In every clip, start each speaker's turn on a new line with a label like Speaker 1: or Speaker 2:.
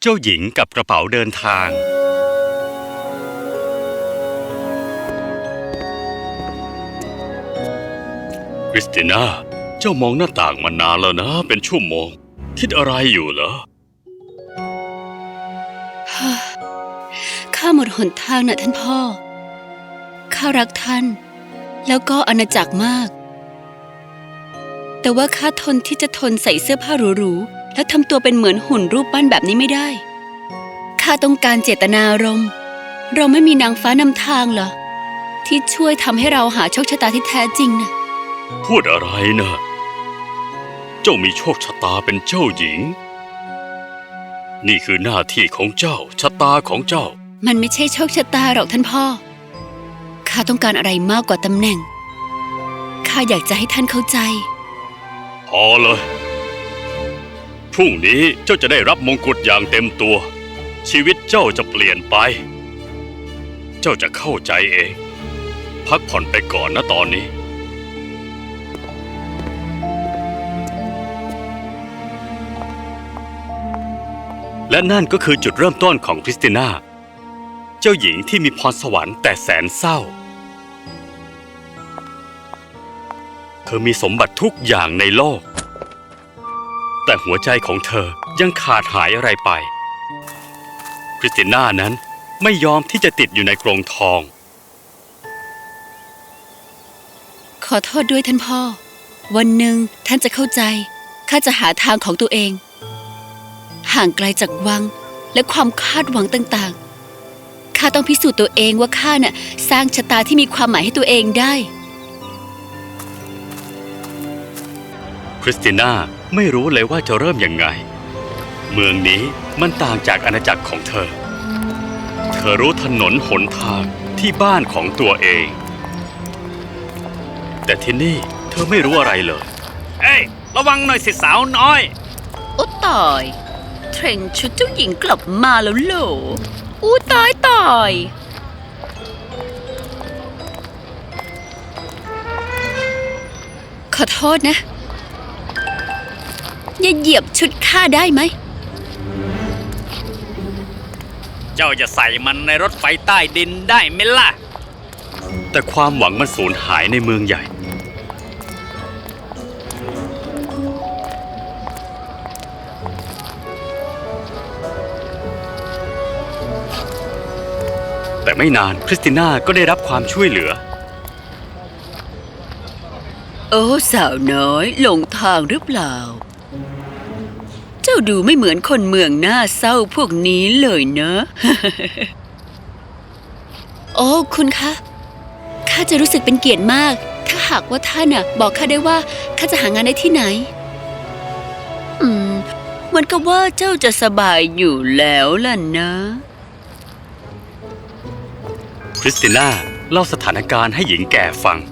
Speaker 1: จ้าหญิงกับกระเป๋าเดินทางคริสติน่าเจ้ามองหน้าต่างมานานแล้วนะเป็นชั่วโมงคิดอะไรอยู่เหรอ
Speaker 2: ข้าหมดหนทางนะท่านพ่อข้ารักท่านแล้วก็อาณาจักรมากแต่ว่าข้าทนที่จะทนใส่เสื้อผ้าหรูๆแล้วทำตัวเป็นเหมือนหุ่นรูปปั้นแบบนี้ไม่ได้ข้าต้องการเจตนารมณ์เราไม่มีนางฟ้านำทางเหรอที่ช่วยทำให้เราหาโชคชะตาที่แท้จริงนะ
Speaker 1: พูดอะไรนะเจ้ามีโชคชะตาเป็นเจ้าหญิงนี่คือหน้าที่ของเจ้าชะตาของเจ้า
Speaker 2: มันไม่ใช่โชคชะตาหรอกท่านพ่อข้าต้องการอะไรมากกว่าตำแหน่งข้าอยากจะให้ท่านเข้าใจ
Speaker 1: พอเลยพรุ่งนี้เจ้าจะได้รับมงกุฎอย่างเต็มตัวชีวิตเจ้าจะเปลี่ยนไปเจ้าจะเข้าใจเองพักผ่อนไปก่อนนะตอนนี้และนั่นก็คือจุดเริ่มต้นของคริสติน่าเจ้าหญิงที่มีพรสวรรค์แต่แสนเศร้าเธอมีสมบัติทุกอย่างในโลกแต่หัวใจของเธอยังขาดหายอะไรไปคริสติน่านั้นไม่ยอมที่จะติดอยู่ในกรงทอง
Speaker 2: ขอโทษด้วยท่านพ่อวันหนึ่งท่านจะเข้าใจข้าจะหาทางของตัวเองห่างไกลจากวังและความคาดหวังต่างๆข้าต้องพิสูจน์ตัวเองว่าข้าน่ะสร้างชะตาที่มีความหมายให้ตัวเองได้
Speaker 1: คริสติน่าไม่รู้เลยว่าจะเริ่มยังไงเมืองนี้มันต่างจากอาณาจักรของเธอเธอรู้ถนนหนทางที่บ้านของตัวเองแต่ที่นี่เธอไม่รู้อะไรเลยเอ้ยระวังหน่อยสิสาวน้อย
Speaker 2: โอ้ตายเทรนชุดเจ้าหญิงกลับมาแล้วเหรออู้ตายขอโทษนะอย่าเหยียบชุดข้าได้ไหม
Speaker 1: เจ้าจะใส่มันในรถไฟใต้ดินได้ไหมล่ะแต่ความหวังมันสูญหายในเมืองใหญ่แต่ไม่นานคริสติน่าก็ได้รับความช่วยเหลือ
Speaker 2: โอ้สาวน้อยหลงทางหรือเปล่าเจ้าดูไม่เหมือนคนเมืองหน้าเศร้าพวกนี้เลยเนอะ โอ้คุณคะข้าจะรู้สึกเป็นเกียรติมากถ้าหากว่าท่านน่ะบอกข้าได้ว่าข้าจะหางานได้ที่ไหนเหมือนกับว่าเจ้าจะสบายอยู่แล้วล่ะนะ
Speaker 1: คริสติน่าเล่าสถานการณ์ให้หญิงแก่ฟัง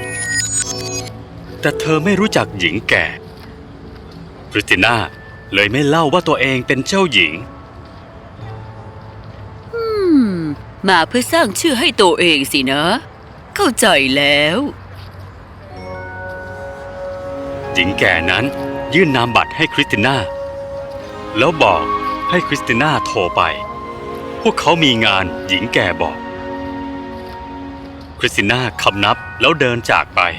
Speaker 1: แต่เธอไม่รู้จักหญิงแก่คริสติน่าเลยไม่เล่าว่าตัวเองเป็นเจ้าหญิง
Speaker 2: มาเพื่อสร้างชื่อให้ตัวเองสินะเข้าใจแล้ว
Speaker 1: หญิงแก่นั้นยื่นนามบัตรให้คริสติน่าแล้วบอกให้คริสติน่าโทรไปพวกเขามีงานหญิงแก่บอกคริสติน่าคำนับแล้วเดินจากไป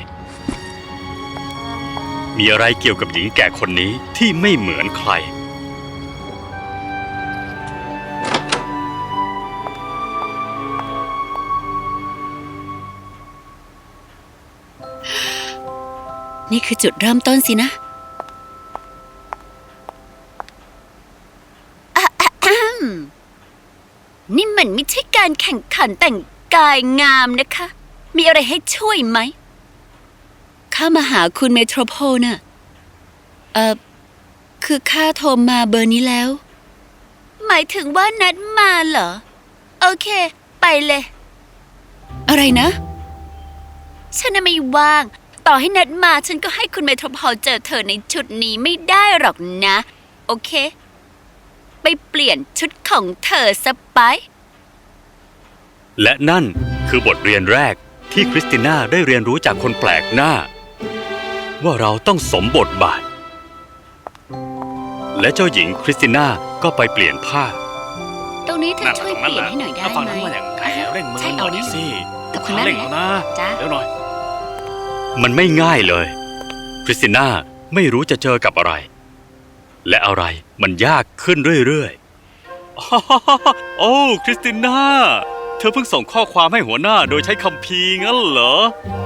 Speaker 1: มีอะไรเกี่ยวกับหญิงแก่คนนี้ที่ไม่เหมือนใคร
Speaker 2: นี่คือจุดเริ่มต้นสินะนี่มันไม่ใช่การแข่งขันแต่งกายงามนะคะมีอะไรให้ช่วยไหมข้ามาหาคุณเมโทรโพลน่ะคือข้าโทรมาเบอร์นี้แล้วหมายถึงว่านัดมาเหรอโอเคไปเลยอะไรนะฉันไม่ว่างต่อให้นัดมาฉันก็ให้คุณเมโทรโพลเจอเธอในชุดนี้ไม่ได้หรอกนะโอเคไปเปลี่ยนชุดของเธอซะไป
Speaker 1: และนั่นคือบทเรียนแรกที่คริสติน่าได้เรียนรู้จากคนแปลกหน้าว่าเราต้องสมบทบาทและเจ้าหญิงคริสติน่าก็ไปเปลี่ยนผ้า
Speaker 2: ตรงนี้เธอช่วยเปลี่ยนให้หน่อยได้ไหม
Speaker 3: ฟังนั้นว่าอย่างไงเร่งมือ
Speaker 2: ใช่
Speaker 3: หน่
Speaker 2: เอา
Speaker 3: อย
Speaker 2: นี่
Speaker 3: สิ
Speaker 2: ขอบคุณมาก
Speaker 3: เร่ง
Speaker 2: เลย
Speaker 3: นะ
Speaker 2: จ้า
Speaker 3: เร็วหน่อย
Speaker 1: มันไม่ง่ายเลย คริสติน่าไม่รู้จะเจอกับอะไร และอะไรมันยากขึ้นเรื่อยๆ โอ้คริสติน่าเธอเพิ่งส่งข้อความให้หัวหน้าโดยใช้คัมภีร์งั้นเหรอ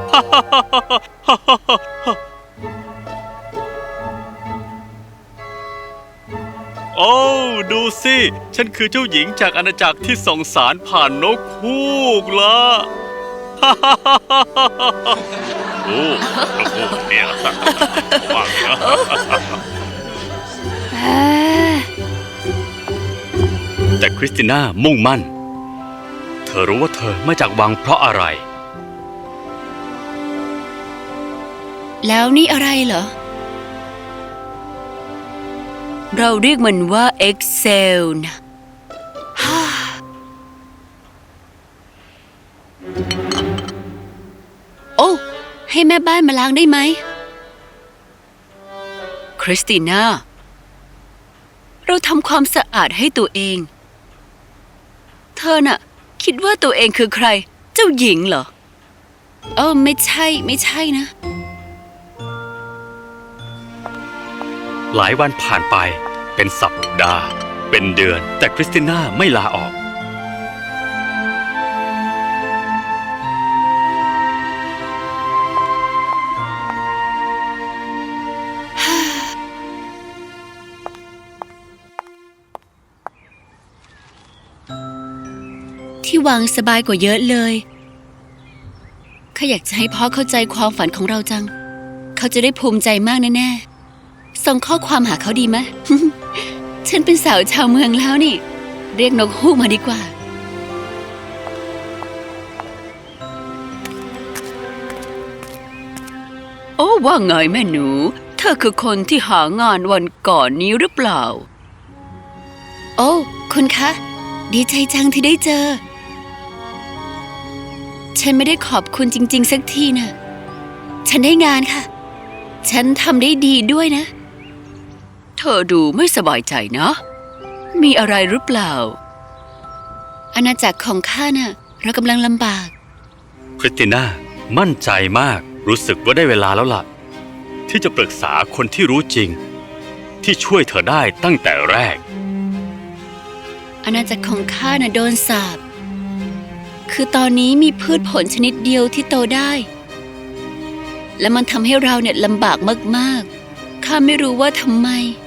Speaker 1: โอ้ดูสิ ฉันคือเจ้าหญิงจากอาณาจักรที่ส่งสารผ่านนกฮูกละ โอ้นกฮูกเนี่ยว่างนะแต่คริสติน่ามุ่งมั่น เธอรู้ว่าเธอมาจากวังเพราะอะไร
Speaker 2: แล้วนี่อะไรเหรอ เราเรียกมันว่า Excel นะ โอ้ ให้แม่บ้านมาล้างได้ไหม คริสติน่า เราทำความสะอาดให้ตัวเอง เธอน่ะ คิดว่าตัวเองคือใคร เจ้าหญิงเหรอ ไม่ใช่นะ
Speaker 1: หลายวันผ่านไปเป็นสัปดาห์ เป็นเดือน แต่คริสติน่าไม่ลาออก
Speaker 2: ที่วางสบายกว่าเยอะเลยข้าอยากจะให้พ่อเข้าใจความฝันของเราจัง เขาจะได้ภูมิใจมากแน่ๆส่งข้อความหาเขาดีไหม ฉันเป็นสาวชาวเมืองแล้วนี่ เรียกนกฮูกมาดีกว่า โอ้ว่าไงแม่หนู เธอคือคนที่หางานวันก่อนนี้หรือเปล่า โอ้คุณคะ ดีใจจังที่ได้เจอ ฉันไม่ได้ขอบคุณจริงๆสักทีนะฉันได้งานค่ะ ฉันทำได้ดีด้วยนะ เธอดูไม่สบายใจนะ มีอะไรหรือเปล่า อาณาจักรของข้าน่ะ เรากำลังลำบาก
Speaker 1: คริสติน่ามั่นใจมาก รู้สึกว่าได้เวลาแล้วล่ะ ที่จะปรึกษาคนที่รู้จริง ที่ช่วยเธอได้ตั้งแต่แรก
Speaker 2: อาณาจักรของข้าน่ะโดนสาปคือตอนนี้มีพืชผลชนิดเดียวที่โตได้ และมันทำให้เราเนี่ยลำบากมากๆ ข้าไม่รู้ว่าทำไม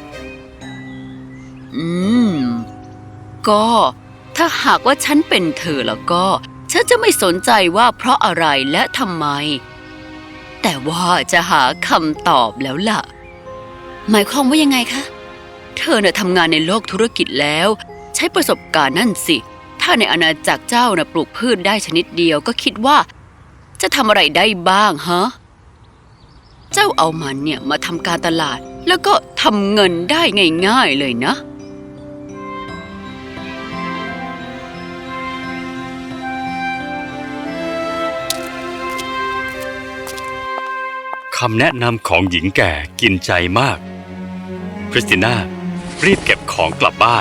Speaker 2: ก็ถ้าหากว่าฉันเป็นเธอแล้วก็ ฉันจะไม่สนใจว่าเพราะอะไรและทำไม แต่ว่าจะหาคำตอบแล้วล่ะ หมายความว่ายังไงคะ เธอน่ะทำงานในโลกธุรกิจแล้ว ใช้ประสบการณ์นั่นสิ ถ้าในอาณาจักรเจ้าน่ะปลูกพืชได้ชนิดเดียวก็คิดว่าจะทำอะไรได้บ้างฮะ เจ้าเอามันเนี่ยมาทำการตลาดแล้วก็ทำเงินได้ง่ายๆเลยนะ
Speaker 1: คำแนะนำของหญิงแก่กินใจมาก คริสติน่ารีบเก็บของกลับบ้าน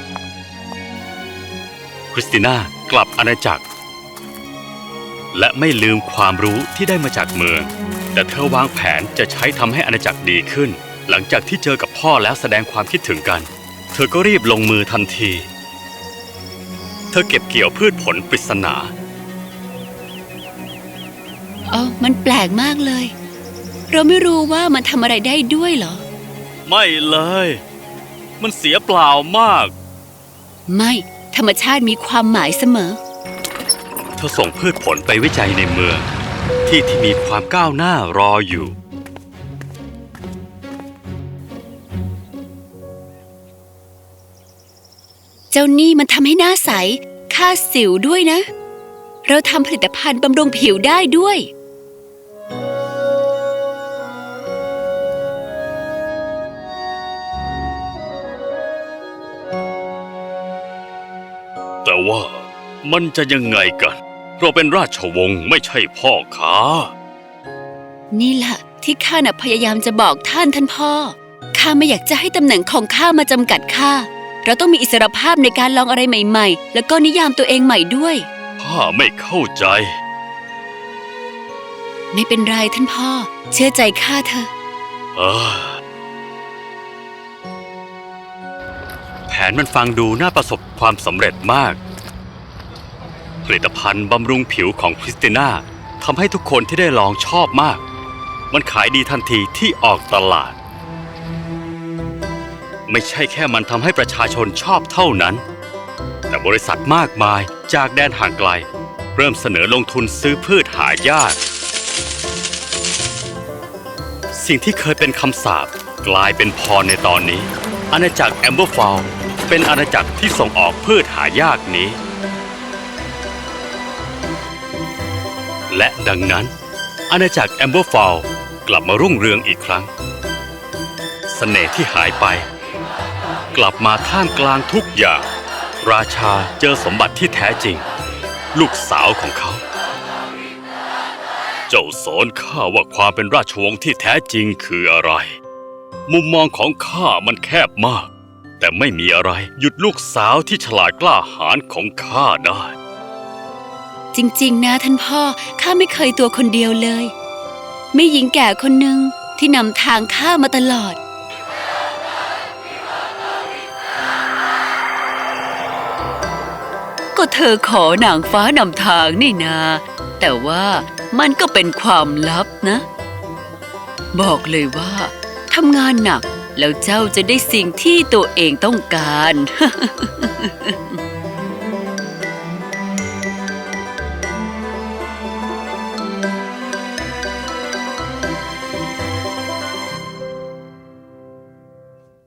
Speaker 1: คริสติน่ากลับอาณาจักร และไม่ลืมความรู้ที่ได้มาจากเมือง แต่เธอวางแผนจะใช้ทำให้อาณาจักรดีขึ้น หลังจากที่เจอกับพ่อแล้วแสดงความคิดถึงกัน เธอก็รีบลงมือทันที เธอเก็บเกี่ยวพืชผลปริศนา
Speaker 2: มันแปลกมากเลย เราไม่รู้ว่ามันทำอะไรได้ด้วยเหรอ
Speaker 1: ไม่เลย มันเสียเปล่ามาก
Speaker 2: ไม่ ธรรมชาติมีความหมายเสมอ
Speaker 1: เธอส่งพืชผลไปวิจัยในเมือง ที่มีความก้าวหน้ารออยู่
Speaker 2: เจ้านี่มันทำให้หน้าใสฆ่าสิวด้วยนะ เราทำผลิตภัณฑ์บำรุงผิวได้ด้วย
Speaker 1: แต่ว่ามันจะยังไงกัน เราเป็นราชวงศ์ไม่ใช่พ่อค้า
Speaker 2: นี่แหละที่ข้าน่ะพยายามจะบอกท่านพ่อข้าไม่อยากจะให้ตำแหน่งของข้ามาจำกัดข้า เราต้องมีอิสรภาพในการลองอะไรใหม่ๆ แล้วก็นิยามตัวเองใหม่ด้วย
Speaker 1: ข้าไม่เข้าใจ
Speaker 2: ไม่เป็นไรท่านพ่อ เชื่อใจข้าเถอะ
Speaker 1: เออแผนมันฟังดูน่าประสบความสำเร็จมาก ผลิตภัณฑ์บำรุงผิวของคริสติน่าทำให้ทุกคนที่ได้ลองชอบมาก มันขายดีทันทีที่ออกตลาด ไม่ใช่แค่มันทำให้ประชาชนชอบเท่านั้น แต่บริษัทมากมายจากแดนห่างไกล เริ่มเสนอลงทุนซื้อพืชหายาก สิ่งที่เคยเป็นคำสาปกลายเป็นพรในตอนนี้ อาณาจักรแอมเบอร์ฟาวล์เป็นอาณาจักรที่ส่งออกพืชหายากนี้ และดังนั้น อาณาจักรแอมเบอร์ฟาวล์กลับมารุ่งเรืองอีกครั้ง เสน่ห์ที่หายไป กลับมาท่ามกลางทุกอย่าง ราชาเจอสมบัติที่แท้จริง ลูกสาวของเขา เจ้าสอนข้าว่าความเป็นราชวงศ์ที่แท้จริงคืออะไร มุมมองของข้ามันแคบมาก แต่ไม่มีอะไรหยุดลูกสาวที่ฉลาดกล้าหาญของข้าได้
Speaker 2: จริงๆนะท่านพ่อ ข้าไม่เคยตัวคนเดียวเลย มีหญิงแก่คนหนึ่งที่นำทางข้ามาตลอด ก็เธอขอนางฟ้านำทางนี่นา แต่ว่ามันก็เป็นความลับนะ บอกเลยว่าทำงานหนักแล้วเจ้าจะได้สิ่งที่ตัวเองต้องการ